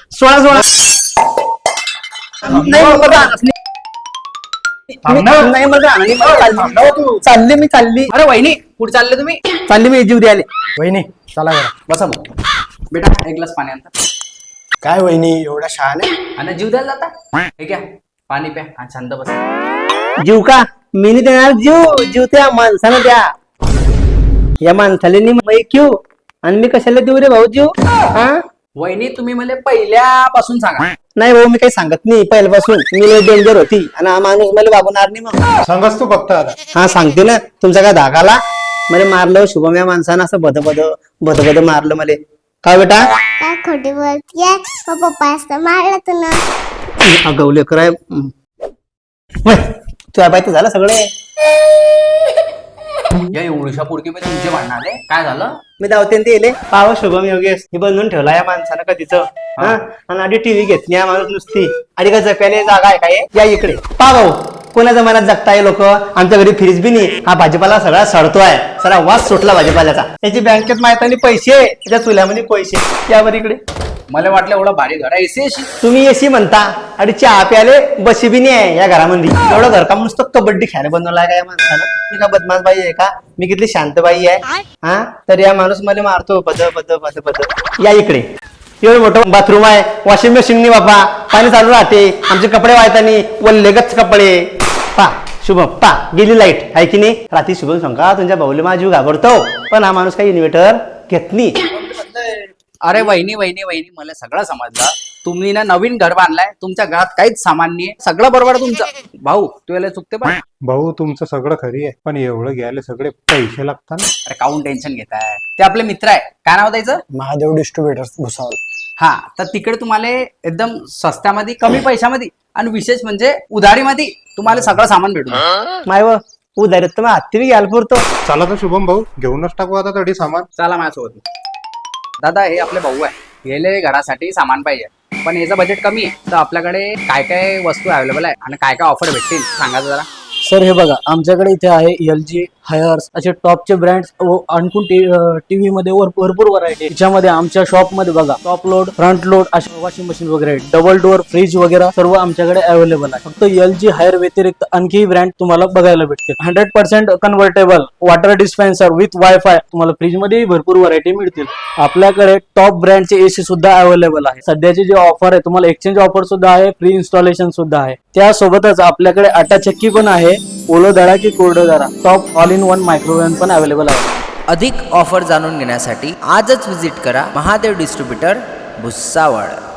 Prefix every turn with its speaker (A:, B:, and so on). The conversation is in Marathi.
A: 16 नाही मला राहणार नाही मला राहणार नाही मला चालली मी चालली.
B: अरे वहिनी कुठे चालले तुम्ही?
A: चालली मी जीव द्यायला.
C: वहिनी चला जरा.
B: बसा मग. बेटा एक ग्लास पाणी आणता.
C: काय वहिनी एवढ्या शहाणे?
B: आणि जीव द्यायला जाता? हे घ्या पाणी प्या आणि शांत बसा.
A: जीव का मी नाही देणार जीव. जीव त्या माणसानं द्या. या माणसाला मी क्यू आणि मी कशाला देऊ रे भाऊ जीव? हा
B: वहिनी तुम्ही मला पहिल्यापासून सांगा.
A: नाही भाऊ मी काही सांगत नाही पहिल्यापासून. मी लय डेंजर होती आणि हा माणूस मला वागवणार नाही मग.
C: सांगच तू फक्त आता.
A: हा सांगते ना तुमचा काय धाकाला मला मारलं शुभम या माणसानं असं बद मारलं मला. का बेटा
D: काय खोटी बोलतीये? पप्पा असं मारलं तुला.
A: अगवले कराय तुझ्या बाय तर झालं सगळे.
B: या एवढ्या पोरकी मध्ये तुमचे भांडण आले? काय झालं?
A: मी धावते ते येले पाव शुभम योगेश हे बनवून ठेवला या माणसानं कधीच. आणि आधी टीव्ही घेतली या माणूस नुसती आणि का जप्याने जागा आहे काय या इकडे पा भाऊ. कोणाच्या मनात जगताय लोक. आमच्या घरी फ्रीज बी नाही. हा भाजीपाला सगळा सडतोय. सगळा वास सुटला भाजीपाल्याचा. त्याची बँकेत माहित आणि पैसे त्याच्या चुल्यामध्ये पैसे यावर इकडे.
B: मला वाटलं एवढा भारी घर आहे एसी एसी.
A: तुम्ही एसी म्हणता आणि चहा प्याले बशी बी नाही आहे या घरामध्ये. एवढं घरकाम नुसतं कबड्डी खेळायला बनवलाय का या माणसानं? मी का बदमाश बाई आहे का? मी किती शांत बाई आहे हा? तर या माणूस मला मारतो पद या इकडे. एवढं मोठं बाथरूम आहे. वॉशिंग मशीन नाही बापा. पाणी चालू राहते. आमचे कपडे वाळतानी वल्लेगच कपडे. पा शुभम पा गेली लाईट आहे की नाही? रात्री शुभम सांगा तुमच्या भाऊले माझा जीव घाबरतो पण हा माणूस काही इन्व्हर्टर घेत नाही.
B: अरे वहिनी वहिनी वहिनी मला सगळं समजलं. तुम्ही ना नवीन घर बांधलाय. तुमच्या घरात काहीच सामान नाहीये. सगळं बरोबर आहे तुमचं. भाऊ तू याला चुकते पण.
C: भाऊ तुमचं सगळं खरी आहे पण एवढं घ्यायला सगळे पैसे लागतात ना.
B: अरे काऊन टेन्शन घेताय? ते आपले मित्र आहे. काय नाव द्यायचं?
C: महादेव डिस्ट्रीब्युटर्स भुसावळ.
B: हा तर तिकडे तुम्हाला एकदम स्वस्त्यामध्ये कमी पैशामध्ये आणि विशेष म्हणजे उधारीमध्ये तुम्हाला सगळं सामान भेटून जाईल.
A: माय व उधारीत तर मग हत्ती बी घ्यायला पुरतो.
C: चला तर शुभम भाऊ घेऊनच टाकू आता तरी सामान.
B: चला माझ्यासोबत. दादा हे आपले भाऊ आहे. गेले घरासाठी सामान पाहिजे पण याचं बजेट कमी आहे. तर आपल्याकडे काय काय वस्तू अवेलेबल आहे आणि काय काय ऑफर भेटतील सांगा जरा.
E: सर हे बघा आमच्याकडे इथे आहे LG हायर्स असे टॉपचे ब्रँड्स आणखून टीव्ही मध्ये भरपूर व्हरायटी. त्याच्यामध्ये आमच्या शॉप मध्ये बघा टॉप लोड फ्रंट लोड असे वॉशिंग मशीन वगैरे डबल डोअर फ्रीज वगैरे सर्व आमच्याकडे अवेलेबल आहे. फक्त LG हायर व्यतिरिक्त आणखी ब्रँड तुम्हाला बघायला भेटतील. 100% convertible water dispenser with WiFi तुम्हाला फ्रीज मध्ये भरपूर व्हरायटी मिळतील. आपल्याकडे टॉप ब्रँडचे AC सुद्धा अवेलेबल आहे. सध्याची जी ऑफर आहे तुम्हाला एक्सचेंज ऑफर सुद्धा आहे. फ्री इन्स्टॉलेशन सुद्धा आहे. त्यासोबतच आपल्याकडे आटा चक्की पण आहे. ओलो दळा की कोरडो दळा top all in one microwave पण अवेलेबल आहे.
F: अधिक ऑफर जाणून घेण्यासाठी आजच विजिट करा महादेव डिस्ट्रीब्युटर भुसावळ.